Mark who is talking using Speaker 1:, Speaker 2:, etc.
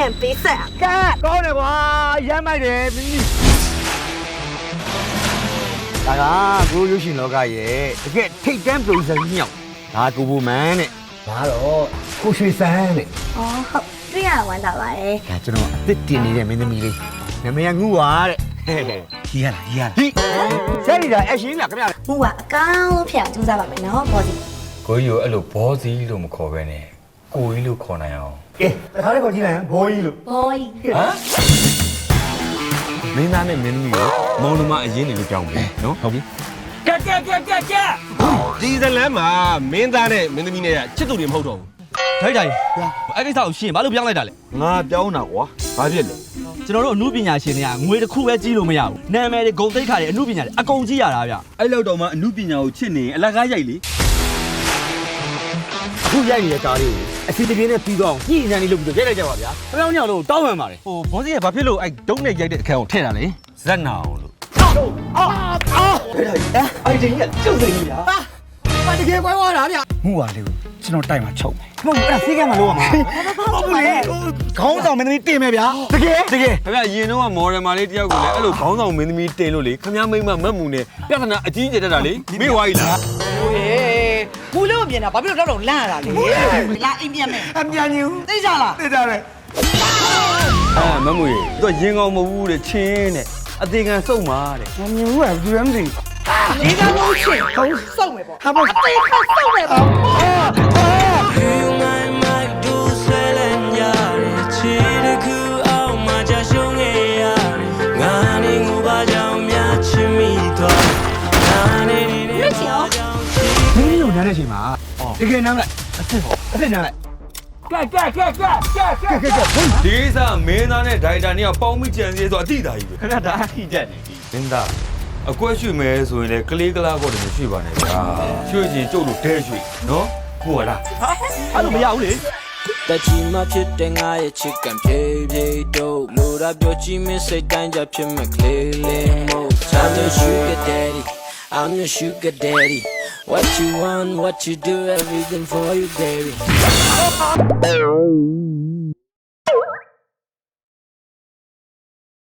Speaker 1: ပြန်ပေးဆက်อ่ะကဲကောင်းတယ်ကွာရမ်းမိုက်တယ်မင်းကြီးဒါကကိုရုပ်ရှင်လောကရဲ့တကယ်ထိတ်တန်းပရိုဂျက်ကြီးမြောက်ဒါကိုဘူမန်နဲ့ဒါတော့ကိုရွှေစန်းနဲ့
Speaker 2: อ๋อဟုတ်တွေ့ရဝမ်းသာပါတယ်
Speaker 1: ဒါကျွန်တော်အစ်စ်တင်နေတဲ့မင်းသမီးလေးနာမည်ကငူပါတဲ့ကြီးရလားကြီးဆယ်ရီတာအရှင်ကခင်ဗျာ
Speaker 2: ဟိုကအကောင်းလို့ဖျက်ကြိုးစားပါမယ်နော်ဘောစီ
Speaker 3: ကိုကြီးကိုအဲ့လိုဘောစီလို့မခေါ်ပဲနဲ့ကိုကြီးလို့ခေါ်နိုင်အောင်
Speaker 1: ကဲတခါလေးခေါ်ကြည့်လိုက်ဘောကြီးလို့
Speaker 2: ဘောကြီး
Speaker 3: ဟမ်မင်းသားနဲ့မင်းသမီးကိုမောင်နှမအရင်နေလို့ကြောင်းပဲနော်ဟုတ်ပြီ
Speaker 4: ကဲဒီဇလန်မှာမင်းသားနဲ့မင်းသမီးနဲ့ချစ်သူတွေမဟုတ်တော့ဘူး
Speaker 5: ထိုက်အဲ့ကိစ္စကိုရှင်းဘာလို့ပြောင်းလိုက်တာလဲ
Speaker 4: ငါပြောင်းတာကွာဘာဖြစ်လဲ
Speaker 5: ကျွန်တော်တို့အမှုပညာရှင်တွေကငွေတစ်ခုပဲကြီးလို့မရဘူးနာမည်တွေဂုဏ်သိက္ခာတွေအမှုပညာတွေအကုန်ကြီးရတာဗျ
Speaker 3: အဲ့လောက်တော့မှအမှုပညာကိုချစ်နေအလကားရိုက်လေ
Speaker 1: ခုရိုက်နေတဲ့ကားလေးကိုအစီအပြေးနဲ့ပြီးတော့ညှိနှံနေလို့ပြီးတော့ရိုက်လိုက်ကြပါဗျာ။ပြောင်းညောင်လို့တောင်းပန်ပါတယ်
Speaker 5: ဟိုဘောစီကဘာဖြစ်လို့အဲ့ဒုံးနဲ့ရိုက်တဲ့အခန်းကိုထည့်တာလဲ
Speaker 3: ဇက်နာအောင်လို့
Speaker 1: အဲ့ဒီကကျုပ်စိန်ကြီးလားဟာတကယ်ပွဲသွားတာဗျ
Speaker 5: မှုပါလေးကိုကျွန်တော်တိုက်မှာချုပ်မယ်
Speaker 1: မဟုတ်အဲ့ဒါဖေးကမှလို့ရမှာဟုတ်ဘူးလေခေါင်းဆောင်မင်းသမီးတင်မယ်ဗျာတကယ်
Speaker 3: ခင်ဗျရင်တော့မော်ဒယ်မာလေးတယောက်ကိုလည်းအဲ့လိုခေါင်းဆောင်မင်းသမီးတင်လို့လေခင်ဗျမိမမတ်မှုနဲ့ပြဿနာအကြီးကျယ်တတ်တာလေမေ့ဝါကြီးလား
Speaker 6: ဟိုရေဘူးလို့မြင်တာဘာဖြစ်လို့တော့လန့်ရတာလဲလာအိမ်ပြန်မယ်
Speaker 1: အပြန်ကြီးဦး
Speaker 6: သိကြလား
Speaker 1: သိကြတယ်
Speaker 3: မမွေသူကရင်ကောင်မဟုတ်ဘူးတဲ့ချင်းတဲ့အသေးခံစုံပါတဲ့
Speaker 1: မမြင်ဘူးကဘူးလည်းမသိ
Speaker 6: ဒီကမိုးချင်းဟုတ်စုံမယ်ပေါ့
Speaker 1: ဟာပေါ့
Speaker 6: အသေးခါစုံမယ်ပေါ့
Speaker 1: မင်းတို့နားတဲ့အချိန်မှာတကယ်နားလိုက်အစ်နားလိုက်ကဲ
Speaker 3: ဒီကိစ္စမင်းသားနဲ့ဒိုင်တာနဲ့ပေါင်းမိကြံစည်ဆိုအတိတာကြီးပဲ
Speaker 5: ခင်ဗျာဒါအထိတက်နေပြီ
Speaker 3: မင်းသားအကွက်ရွှေ့မယ်ဆိုရင်လေကလေးကလားကောတည်းရွှေ့ပါနဲ့ဗျာရွှေ့ချင်းကျုပ်တို့ဒဲရွှေ့နော်ဟုတ်လား
Speaker 5: အဲ့လိုမရဘူးလေ
Speaker 7: တချီမဖြစ်တဲ့ငါရဲ့ချစ်ကန်ဖြည်းဖြည်းတို့လိုရာပြောချီမစိတ်တိုင်းကြဖြစ်မဲ့ကလေးလေးမို့ I'm your sugar daddy I'm your sugar daddy what you want what you do everything for you baby